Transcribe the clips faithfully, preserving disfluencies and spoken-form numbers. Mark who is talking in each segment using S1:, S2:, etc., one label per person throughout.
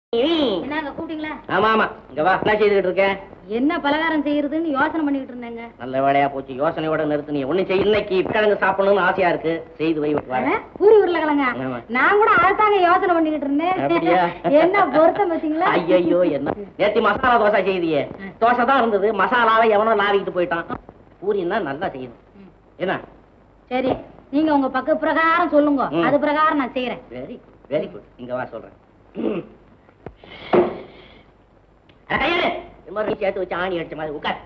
S1: என்னங்க கூப்பிட்டீங்களா?
S2: ஆமா ஆமா, இங்க வா. என்ன செய்துகிட்டு இருக்கேன்?
S1: என்ன பலகாரம் செய்யறதுன்னு யோசனை பண்ணிட்டு இருந்தேங்க.
S2: நல்ல வேலையா போச்சு, யோசனையோட நிறுத்து. நீ ஒண்ணு செய்ய, இன்னைக்கு கிழங்கு சாப்பிடணும்னு ஆசையா இருக்கு, செய்து வை.
S1: பூரி உருளைக்கிழங்க நான் கூட அதுதாங்க யோசனை பண்ணிக்கிட்டு இருந்தேன். என்ன பொருத்தம் பார்த்தீங்களா?
S2: ஐயோ, என்ன நேத்தி மசாலா தோசை செய்தியே, தோசை தான் இருந்தது, மசாலாவை எவனோ லாவிக்கிட்டு போயிட்டான். பூரின்னா நல்லா செய்யணும். என்ன
S1: சரி, நீங்க உங்க பக்க பிரகாரம் சொல்லுங்க, அது பிரகாரம் நான் செய்யறேன்.
S2: Very very good. இங்க வா சொல்றேன். சேர்த்து வச்சு ஆணி அடிச்ச மாதிரி உட்கார்.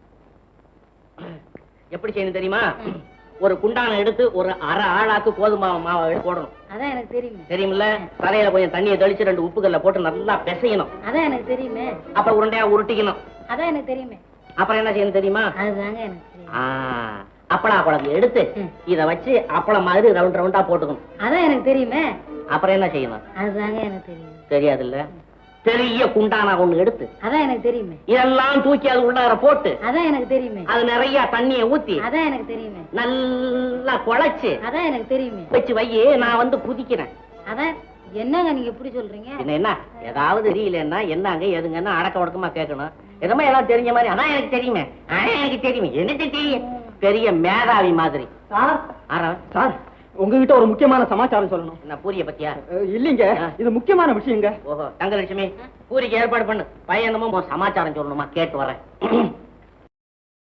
S2: எப்படி செய்யணும் தெரியுமா? ஒரு குண்டான எடுத்து ஒரு அரை ஆளாக்கு கோதுமை மாவை போடணும்.
S1: அதான் எனக்கு தெரியுமே.
S2: தெரியுமில்ல? தலையில கொஞ்சம் தண்ணியை தெளிச்சு ரெண்டு உப்புக்கல்ல போட்டு நல்லா பிசையணும்.
S1: அதான் எனக்கு தெரியுமே.
S2: அப்புறம் உருண்டையா உருட்டிக்கணும்.
S1: அதான் எனக்கு தெரியுமே.
S2: அப்புறம் என்ன செய்யணும் தெரியுமா?
S1: அதுதாங்க எனக்கு தெரியும்.
S2: அப்பளா குழம்பு எடுத்து இத வச்சு அப்பளம் மாதிரி ரவுண்ட் ரவுண்டா போட்டுக்கணும்.
S1: அதான் எனக்கு தெரியுமே.
S2: அப்புறம் என்ன செய்யணும்?
S1: அதுதாங்க எனக்கு தெரியும்.
S2: தெரியாது இல்ல? பெரிய குண்டானா ஒண்ணு எடுத்து
S1: அதான் எனக்கு தெரியுமே.
S2: இதெல்லாம் தூக்கி அது உள்ளார போட்டு
S1: அதான் எனக்கு தெரியுமே.
S2: அது நிறைய தண்ணியை ஊத்தி
S1: அதான் எனக்கு தெரியுமே.
S2: நல்லா குழைச்சு
S1: அதான் எனக்கு தெரியுமே.
S2: வச்சு வையே, நான் வந்து குதிக்கிறேன்.
S1: அதான் என்னங்க நீங்க எப்படி சொல்றீங்க?
S2: என்ன என்ன ஏதாவது தெரியலன்னா என்னங்க எதுங்கன்னா அடக்க உடக்கமா கேட்கணும். எதமா எல்லாம் தெரிஞ்ச மாதிரி அதான் எனக்கு தெரியுமே, அதான் எனக்கு தெரியுமே. எனக்கு தெரியும், பெரிய மேதாவி மாதிரி.
S3: சார் சார், உங்ககிட்ட ஒரு முக்கியமான சமாச்சாரம் சொல்லணும்.
S2: என்ன பூரிய பத்தியா?
S3: இல்லீங்க, இது முக்கியமான விஷயங்க.
S2: ஓஹோ, தங்கலட்சுமி பூரிக்கு ஏற்பாடு பண்ணு. பையனமும் சமாச்சாரம் சொல்லணுமா, கேட்டு வரேன்.